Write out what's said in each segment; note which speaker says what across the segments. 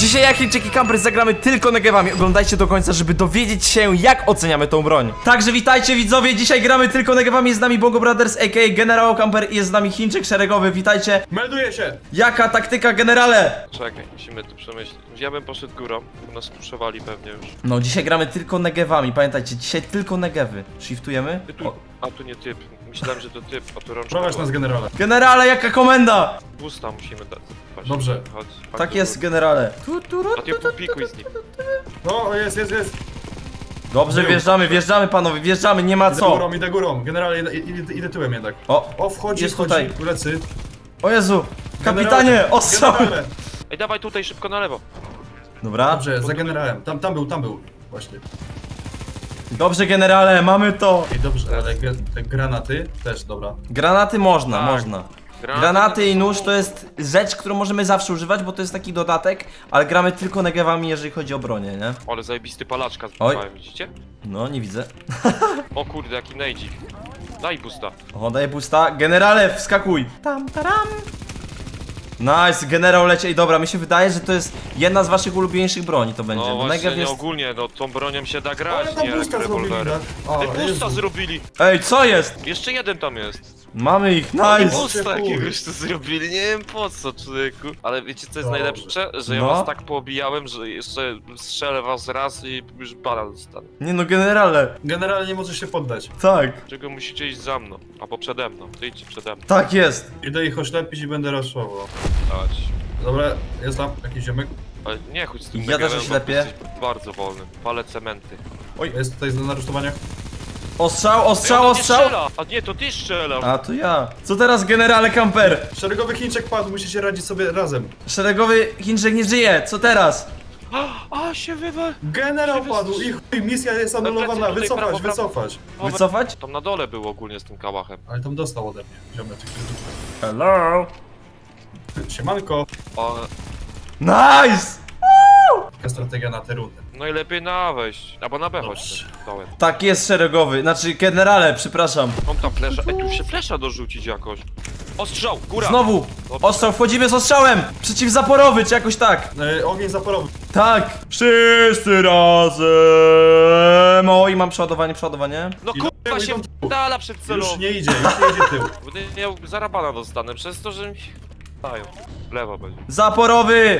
Speaker 1: Dzisiaj jak Chińczyki Camper zagramy tylko negewami. Oglądajcie do końca, żeby dowiedzieć się, jak oceniamy tą broń. Także witajcie widzowie, dzisiaj gramy tylko negewami. Jest z nami Bongo Brothers, a.k.a. Generał Camper i jest z nami Chińczyk szeregowy. Witajcie.
Speaker 2: Melduję się!
Speaker 1: Jaka taktyka, generale?
Speaker 3: Czekaj, musimy tu przemyśleć. Ja bym poszedł górą, bo nas puszowali pewnie już.
Speaker 1: No, dzisiaj gramy tylko negewami. Pamiętajcie, dzisiaj tylko negewy. Shiftujemy? O.
Speaker 3: A tu nie typ. Myślałem, że to typ, a tu rączka.
Speaker 2: Prowadź nas, generale.
Speaker 1: Generale, jaka komenda?
Speaker 3: Busta musimy dać. Chodź,
Speaker 2: Dobrze.
Speaker 3: Chodź,
Speaker 1: Tak
Speaker 3: do
Speaker 1: jest,
Speaker 3: góry.
Speaker 1: generale.
Speaker 3: A ty popikuj z nim.
Speaker 2: No, jest.
Speaker 1: Dobrze,
Speaker 2: Był.
Speaker 1: wjeżdżamy panowie, wjeżdżamy, nie ma co.
Speaker 2: Idę górą. Generale, idę tyłem jednak.
Speaker 1: O,
Speaker 2: Wchodzi,
Speaker 1: jest tutaj.
Speaker 2: Lecy.
Speaker 1: O Jezu, kapitanie, ostrzał.
Speaker 2: Generale.
Speaker 3: Ej, dawaj tutaj szybko na lewo.
Speaker 1: Dobra,
Speaker 2: Dobrze, za generałem. Tam był. Właśnie.
Speaker 1: dobrze generale, mamy to.
Speaker 2: I dobrze, ale te granaty też, dobra.
Speaker 1: Granaty można,
Speaker 3: Tak.
Speaker 1: można. Granaty i nóż to jest rzecz, którą możemy zawsze używać, bo to jest taki dodatek, ale gramy tylko negewami, jeżeli chodzi o bronię, nie?
Speaker 3: Ale zajebisty palaczka
Speaker 1: Oj.
Speaker 3: zbudowałem, widzicie?
Speaker 1: No, nie widzę.
Speaker 3: O kurde, jaki nejdzik. Daj busta.
Speaker 1: O, daję pusta. Generale, wskakuj. Tam, taram. Nice, generał leci. Ej, dobra, mi się wydaje, że to jest jedna z waszych ulubieńszych broni, to będzie.
Speaker 3: No
Speaker 1: Bo
Speaker 3: właśnie,
Speaker 1: negew
Speaker 3: nie
Speaker 1: jest...
Speaker 3: ogólnie, no tą bronią się da grać,
Speaker 2: Ale tam
Speaker 3: nie
Speaker 2: busta zrobili,
Speaker 3: rewolwerem.
Speaker 2: tak?
Speaker 3: Ej, busta zrobili!
Speaker 1: Ej, co jest?
Speaker 3: Jeszcze jeden tam jest.
Speaker 1: Mamy ich,
Speaker 3: I
Speaker 1: nice.
Speaker 3: busta
Speaker 2: chuj.
Speaker 3: jakiegoś tu zrobili, nie wiem po co, człowieku. Ale wiecie co jest
Speaker 2: Dobrze.
Speaker 3: najlepsze? Że ja
Speaker 1: No.
Speaker 3: was tak poobijałem, że jeszcze strzelę was raz i już bana dostanę.
Speaker 1: Nie no, generale.
Speaker 2: Generale nie możesz się poddać.
Speaker 1: Tak,
Speaker 3: Czego musicie iść za mną, albo przede mną, ty idźcie przede mną.
Speaker 1: tak jest.
Speaker 2: Idę ich oślepić i będę raszował.
Speaker 3: Chodź.
Speaker 2: Dobra, jest tam jakiś ziomek.
Speaker 3: Ale nie chodź z tym
Speaker 1: Ja
Speaker 3: negewem,
Speaker 1: też
Speaker 3: bo
Speaker 1: oślepię.
Speaker 3: jesteś bardzo wolny. Palę cementy.
Speaker 2: Jest tutaj na rusztowaniach.
Speaker 1: Ostrzał,
Speaker 3: Ej,
Speaker 1: ostrzał,
Speaker 3: on nie
Speaker 1: ostrzał.
Speaker 3: strzela! A nie, to ty strzelasz!
Speaker 1: A, to ja. Co teraz, generale Camper?
Speaker 2: Szeregowy Chińczyk padł, musicie radzić sobie razem.
Speaker 1: Szeregowy Chińczyk nie żyje, co teraz?
Speaker 3: A się wywal!
Speaker 2: Generał padł i chuj, misja jest anulowana,
Speaker 3: Plecy tutaj, prawo, prawo.
Speaker 2: wycofać.
Speaker 1: Wycofać?
Speaker 3: Tam na dole był ogólnie z tym kałachem.
Speaker 2: Ale tam dostał ode mnie, ziomeczek.
Speaker 1: Hello.
Speaker 2: Siemanko.
Speaker 3: O,
Speaker 1: Nice!
Speaker 2: Taka strategia na tę rundę.
Speaker 3: no i lepiej na wejść. Albo na B
Speaker 2: Dobrze.
Speaker 3: chodź. Dołem.
Speaker 1: Tak jest, szeregowy. Znaczy, generale, przepraszam.
Speaker 3: Mam tam flesza. Ej, tu się flesza dorzucić jakoś. Ostrzał! Góra!
Speaker 1: Znowu! Ostrzał, wchodzimy z ostrzałem! Przeciwzaporowy, czy jakoś tak?
Speaker 2: Ogień zaporowy.
Speaker 1: Tak! Wszyscy razem! O, i mam przeładowanie.
Speaker 3: No
Speaker 2: Idą
Speaker 3: kurwa
Speaker 2: tył,
Speaker 3: się
Speaker 2: idą tył.
Speaker 3: dala przed celą.
Speaker 2: Już nie idzie tył.
Speaker 3: Będę miał zarabana dostanę przez to, że mi się dają. W lewo będzie.
Speaker 1: Zaporowy!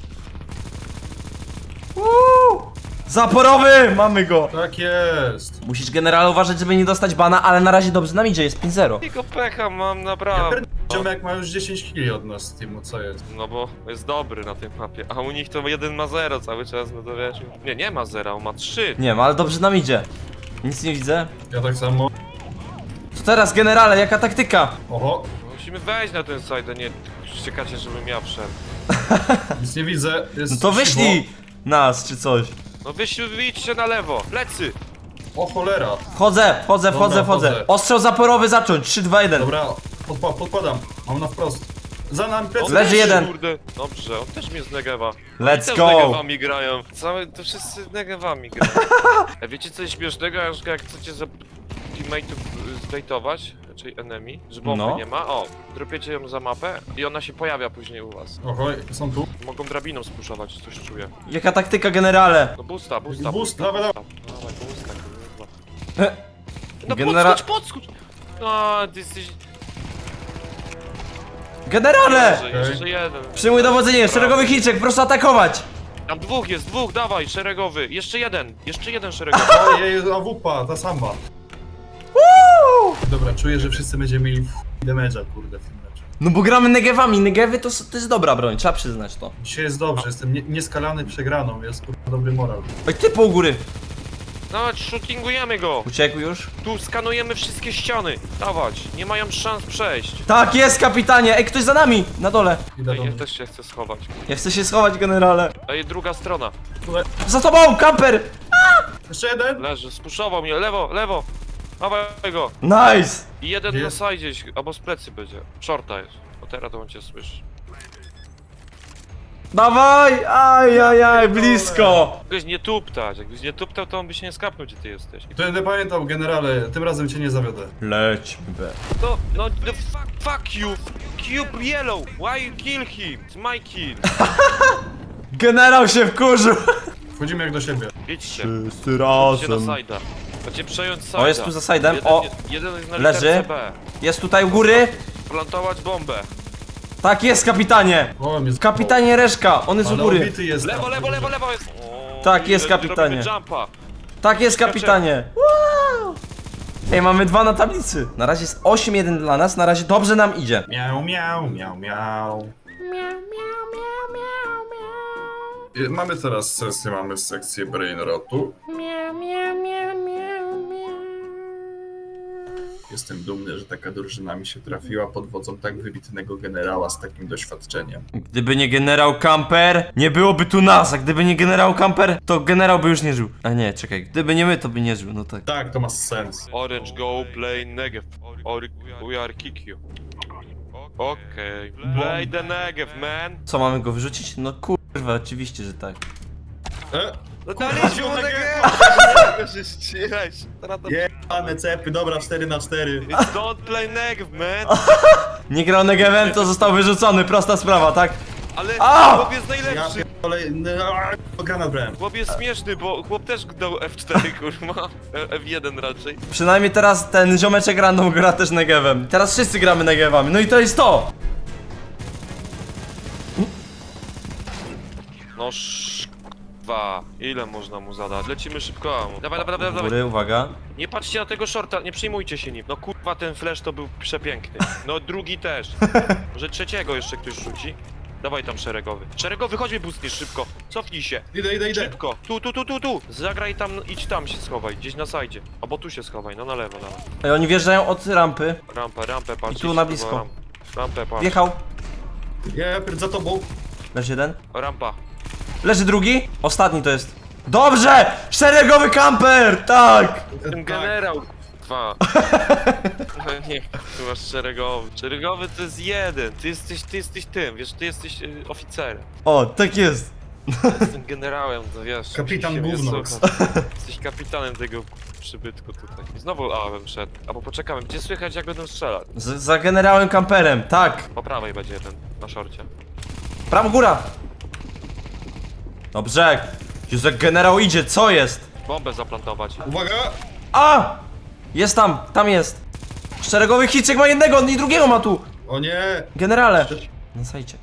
Speaker 1: Zaporowy! Mamy go!
Speaker 2: Tak jest.
Speaker 1: Musisz, generale, uważać, żeby nie dostać bana, ale na razie dobrze nam idzie, jest 5-0.
Speaker 3: Tylko pecha mam
Speaker 2: Ja
Speaker 3: naprawdę.
Speaker 2: Ziomek ma już 10 kg od nas z teamu, co jest?
Speaker 3: No bo jest dobry na tej mapie, a u nich to jeden ma 0 cały czas, no to wiesz. Nie ma 0, on ma 3.
Speaker 1: Nie wiem, ale dobrze nam idzie. Nic nie widzę.
Speaker 2: Ja tak samo.
Speaker 1: Co teraz, generale, jaka taktyka?
Speaker 2: Oho,
Speaker 3: Musimy wejść na ten side, a nie czekacie, żebym ja wszedł.
Speaker 2: nic nie widzę. Jest
Speaker 1: No to wyślij nas, czy coś.
Speaker 3: No wyjdźcie na lewo, plecy!
Speaker 2: O cholera.
Speaker 1: Wchodzę.
Speaker 2: wchodzę.
Speaker 1: Ostrzał zaporowy zacząć, 3, 2, 1.
Speaker 2: Dobra, podpadam. Mam na wprost. Za nami
Speaker 3: On
Speaker 2: plecy.
Speaker 1: Leży
Speaker 3: też,
Speaker 1: jeden.
Speaker 3: Kurde. Dobrze, on też mnie z negewa.
Speaker 1: Let's
Speaker 3: Oni też
Speaker 1: go.
Speaker 3: negewami grają. To wszyscy negewami grają. A wiecie co jest śmiesznego? Jak chcecie teammate'ów zbejtować, czyli enemy, że bomby
Speaker 1: No.
Speaker 3: nie ma, o, dropiecie ją za mapę i ona się pojawia później u was.
Speaker 2: Oho, są tu.
Speaker 3: Mogą drabiną spuszować, coś czuję.
Speaker 1: Jaka taktyka, generale?
Speaker 3: No busta.
Speaker 2: Boost, dawaj, dawaj.
Speaker 3: Dawaj, busta, kurwa. No
Speaker 1: Genera-
Speaker 3: podskocz! No, ty jesteś...
Speaker 1: Generale!
Speaker 3: Jeszcze jeden.
Speaker 1: Przyjmuj dowodzenie, szeregowy Chińczyk, proszę atakować!
Speaker 3: Tam dwóch, dawaj, szeregowy. Jeszcze jeden szeregowy.
Speaker 2: Ojej, AWP, ta sama. Dobra, czuję, że wszyscy będziemy mieli damage'a, kurde, w tym meczu.
Speaker 1: No bo gramy negewami, negewy to jest dobra broń, trzeba przyznać to.
Speaker 2: Dzisiaj jest dobrze, jestem nieskalany przegraną, jest kurwa dobry moral.
Speaker 1: Oj, ty po u góry.
Speaker 3: Dawać, shootingujemy go.
Speaker 1: Uciekł już?
Speaker 3: Tu skanujemy wszystkie ściany. Dawać, nie mają szans przejść.
Speaker 1: Tak jest, kapitanie! Ej, ktoś za nami! Na dole.
Speaker 2: Idę do
Speaker 3: Ej, ja
Speaker 2: mnie.
Speaker 3: też się chcę schować.
Speaker 1: Ja chcę się schować, generale.
Speaker 3: Ej, druga strona.
Speaker 2: Tutaj.
Speaker 1: Za tobą, kamper!
Speaker 2: Jeszcze jeden?
Speaker 3: Leży, spuszował mnie, lewo. Dawaj go.
Speaker 1: Nice!
Speaker 3: I jeden
Speaker 2: Gdzie
Speaker 3: na
Speaker 2: jest?
Speaker 3: sajdzie, albo z plecy będzie. Shorta jest. O teraz to on cię słyszy.
Speaker 1: Dawaj! Aj, blisko!
Speaker 3: Jakbyś nie tuptał, to on by się nie skapnął, gdzie ty jesteś.
Speaker 2: To będę pamiętał, generale, tym razem cię nie zawiodę.
Speaker 1: Lećmy, be.
Speaker 3: No, fuck you! Cube yellow! Why you kill him? It's my kill!
Speaker 1: Generał się wkurzył.
Speaker 2: Wchodzimy jak do siebie.
Speaker 3: Idźcie.
Speaker 1: Wszyscy
Speaker 3: Idźcie na
Speaker 1: razem.
Speaker 3: sajda. Macie przejąć sajda.
Speaker 1: O, jest tu za sajdem.
Speaker 3: Jeden,
Speaker 1: O,
Speaker 3: jeden jest na
Speaker 1: leży.
Speaker 3: literce B.
Speaker 1: jest tutaj u góry.
Speaker 3: Plantować bombę.
Speaker 1: Tak jest, kapitanie.
Speaker 2: O, mnie
Speaker 1: Kapitanie Reszka, on jest u
Speaker 2: Ale
Speaker 1: góry.
Speaker 2: obity jest.
Speaker 3: Lewo,
Speaker 2: tam.
Speaker 3: lewo, lewo, lewo jest. O,
Speaker 1: Tak jest,
Speaker 3: i
Speaker 1: kapitanie.
Speaker 3: robimy jumpa.
Speaker 1: Tak jest, kapitanie. Wow. Ej, mamy 2 na tablicy. Na razie jest 8-1 dla nas, na razie dobrze nam idzie.
Speaker 2: Miau, miau, miau, miau. Mamy teraz sesję, mamy sekcję Brainrotu. Jestem dumny, że taka drużyna mi się trafiła pod wodzą tak wybitnego generała z takim doświadczeniem.
Speaker 1: Gdyby nie generał Camper, nie byłoby tu nas, a gdyby nie generał Camper, to generał by już nie żył. A nie, czekaj, gdyby nie my, to by nie żył, no tak.
Speaker 2: Tak, to ma sens.
Speaker 3: Orange go play Negev. Or we are kick you. Okej. Play the Negev, man.
Speaker 1: Co, mamy go wyrzucić? No kurwa, oczywiście, że tak.
Speaker 3: No
Speaker 2: Kurwa,
Speaker 3: daliśmy mu
Speaker 2: to
Speaker 3: Negev. Tylko się ścigać. Teraz to...
Speaker 2: Jebane cepy, dobra, 4-4.
Speaker 3: It's don't play Negev, man.
Speaker 1: Nie grał Negevem, to został wyrzucony, prosta sprawa, tak?
Speaker 3: Ale
Speaker 1: A!
Speaker 3: chłop jest
Speaker 2: Ja
Speaker 3: najlepszy.
Speaker 2: pierdolę, granat brałem.
Speaker 3: Chłop jest śmieszny, bo chłop też dał F4, kurwa. F1 raczej.
Speaker 1: Przynajmniej teraz ten ziomeczek random gra też Negevem. Teraz wszyscy gramy Negevami, no i to jest to!
Speaker 3: No dwa. Ile można mu zadać? Lecimy szybko. Dawaj, dawaj, dawaj,
Speaker 1: U
Speaker 3: dawaj.
Speaker 1: góry, uwaga.
Speaker 3: Nie patrzcie na tego shorta, nie przejmujcie się nim. No kurwa, ten flash to był przepiękny. No drugi też. Może trzeciego jeszcze ktoś rzuci? Dawaj tam szeregowy. Szeregowy, chodźmy boostniesz szybko. Cofnij się.
Speaker 2: Idę.
Speaker 3: Szybko. Tu. Zagraj tam, idź tam się schowaj. Gdzieś na sajdzie. Albo tu się schowaj, no na lewo, dawaj.
Speaker 1: Ej, oni wjeżdżają od rampy.
Speaker 3: Rampę, patrz.
Speaker 1: I tu
Speaker 3: idź,
Speaker 1: na blisko.
Speaker 3: Rampę, patrz.
Speaker 1: Wjechał.
Speaker 2: Ja za tobą.
Speaker 1: Leży jeden.
Speaker 3: Rampa.
Speaker 1: Leży drugi. Ostatni to jest. Dobrze! Szeregowy kamper! Tak!
Speaker 3: Ten generał. Dwa. No nie, tu masz szeregowy. Szeregowy to jest jeden. Ty jesteś tym, wiesz, ty jesteś oficerem.
Speaker 1: O, tak jest.
Speaker 3: Jestem generałem, to wiesz.
Speaker 2: Kapitan
Speaker 3: musi się mnie
Speaker 2: Gównox.
Speaker 3: słuchać. Jesteś kapitanem tego przybytku tutaj. I znowu A bym szedł. Albo poczekamy, gdzie słychać jak będą strzelać?
Speaker 1: Za generałem kamperem, tak.
Speaker 3: Po prawej będzie jeden, na szorcie.
Speaker 1: Prawo góra. Dobrze. Jezu, jak generał idzie, co jest?
Speaker 3: Bombę zaplantować.
Speaker 2: Uwaga!
Speaker 1: A! Jest tam jest. Szeregowy Chiczek ma jednego, on i drugiego ma tu.
Speaker 2: O nie!
Speaker 1: Generale. Na sajcie.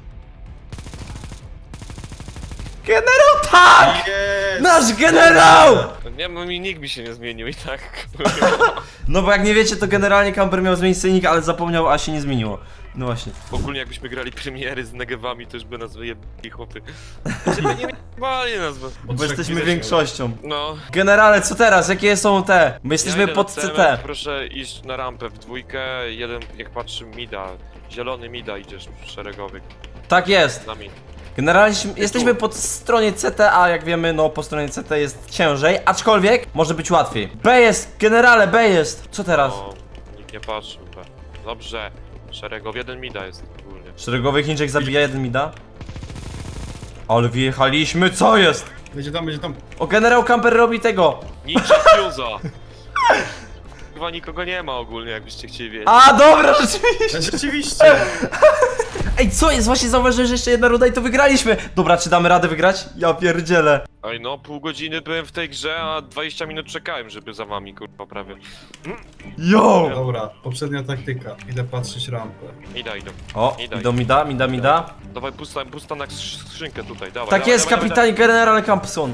Speaker 1: Generał, tak!
Speaker 2: Jest!
Speaker 1: Nasz generał!
Speaker 3: Nie, bo mi nikt mi się nie zmienił i tak.
Speaker 1: No bo jak nie wiecie, to generalnie kamper miał zmienić scenik, ale zapomniał, a się nie zmieniło. No właśnie.
Speaker 3: Ogólnie jakbyśmy grali premiery z negewami, to już by nas wyjebali chłopy. Znaczy, nie wyjebali nas, bo...
Speaker 1: Bo jesteśmy większością.
Speaker 3: No.
Speaker 1: Generale, co teraz? Jakie są te? My jesteśmy
Speaker 3: idę
Speaker 1: pod
Speaker 3: na
Speaker 1: CT.
Speaker 3: CMF, proszę iść na rampę w dwójkę, jeden jak patrzy mida. Zielony mida idziesz szeregowy
Speaker 1: Tak jest.
Speaker 3: z nami.
Speaker 1: Generalnie jesteśmy po stronie CT, a jak wiemy, no po stronie CT jest ciężej, aczkolwiek może być łatwiej. B jest, generale, B jest. Co teraz?
Speaker 3: No, nikt nie patrzył. Dobrze. Szeregowy, jeden mida jest ogólnie.
Speaker 1: Szeregowy Chińczyk zabija jeden mida. Ale wjechaliśmy, co jest?
Speaker 2: Będzie tam.
Speaker 1: O, generał Camper robi tego.
Speaker 3: Ninja Fuse'a! Chyba nikogo nie ma ogólnie, jakbyście chcieli wiedzieć.
Speaker 1: A, dobra, rzeczywiście.
Speaker 2: Rzeczywiście!
Speaker 1: Ej, co jest? Właśnie zauważyłem, że jeszcze jedna runda i to wygraliśmy. Dobra, czy damy radę wygrać? Ja pierdzielę.
Speaker 3: Ej no, pół godziny byłem w tej grze, a 20 minut czekałem, żeby za wami kurwa prawie.
Speaker 1: Yo!
Speaker 2: Dobra, poprzednia taktyka. Idę patrzeć rampę.
Speaker 3: Idą.
Speaker 1: O,
Speaker 3: Idę.
Speaker 1: idą mida.
Speaker 3: Dawaj pusta na skrzynkę tutaj, dawaj.
Speaker 1: Tak
Speaker 3: dawaj,
Speaker 1: jest,
Speaker 3: dawaj,
Speaker 1: kapitan general Campson.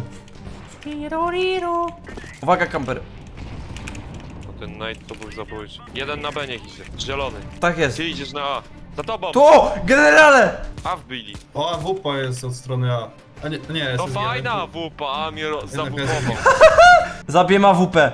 Speaker 1: Uwaga, kamper.
Speaker 3: No, ten Knight to był zabójczy. Jeden na B niech idzie, zielony.
Speaker 1: Tak jest.
Speaker 3: Ty idziesz na A. Za tobą!
Speaker 1: Tu! Generale!
Speaker 3: A wbili.
Speaker 2: O, AWP jest od strony A. A nie, jest.
Speaker 3: To fajna AWP, a mnie zabupował.
Speaker 1: Zabiję AWP.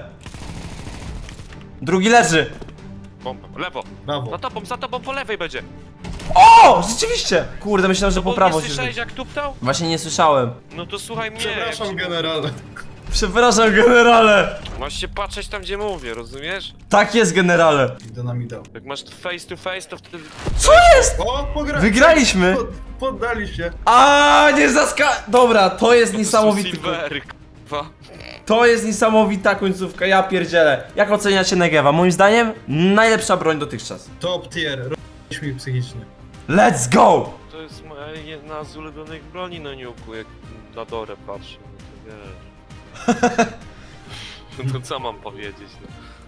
Speaker 1: Drugi leży.
Speaker 3: Bomba. Lewo.
Speaker 2: Brawo.
Speaker 3: Za tobą po lewej będzie.
Speaker 1: O! Rzeczywiście! Kurde, myślałem, że po
Speaker 3: Bo
Speaker 1: prawo
Speaker 3: nie
Speaker 1: się
Speaker 3: słyszałeś
Speaker 1: rzuci.
Speaker 3: jak tuptał?
Speaker 1: Właśnie nie słyszałem.
Speaker 3: No to słuchaj mnie.
Speaker 2: Przepraszam,
Speaker 3: jak się-
Speaker 2: generale.
Speaker 1: Przepraszam, generale.
Speaker 3: Masz się patrzeć tam gdzie mówię, rozumiesz?
Speaker 1: Tak jest, generale.
Speaker 2: Idę na mida.
Speaker 3: Jak masz face to face, to wtedy...
Speaker 1: Co jest?
Speaker 2: O,
Speaker 1: Wygraliśmy.
Speaker 2: Poddali się.
Speaker 1: A nie Dobra, to jest niesamowity.
Speaker 3: Silvery, k***wa.
Speaker 1: To jest niesamowita końcówka, ja pierdzielę. Jak oceniacie Negewa? Moim zdaniem najlepsza broń dotychczas.
Speaker 2: Top tier. Robiliśmy mi psychicznie.
Speaker 1: Let's go!
Speaker 3: To jest moja jedna z ulubionych broni na niuku, jak na Dorę patrzę, no to wiesz. No to co mam powiedzieć, no.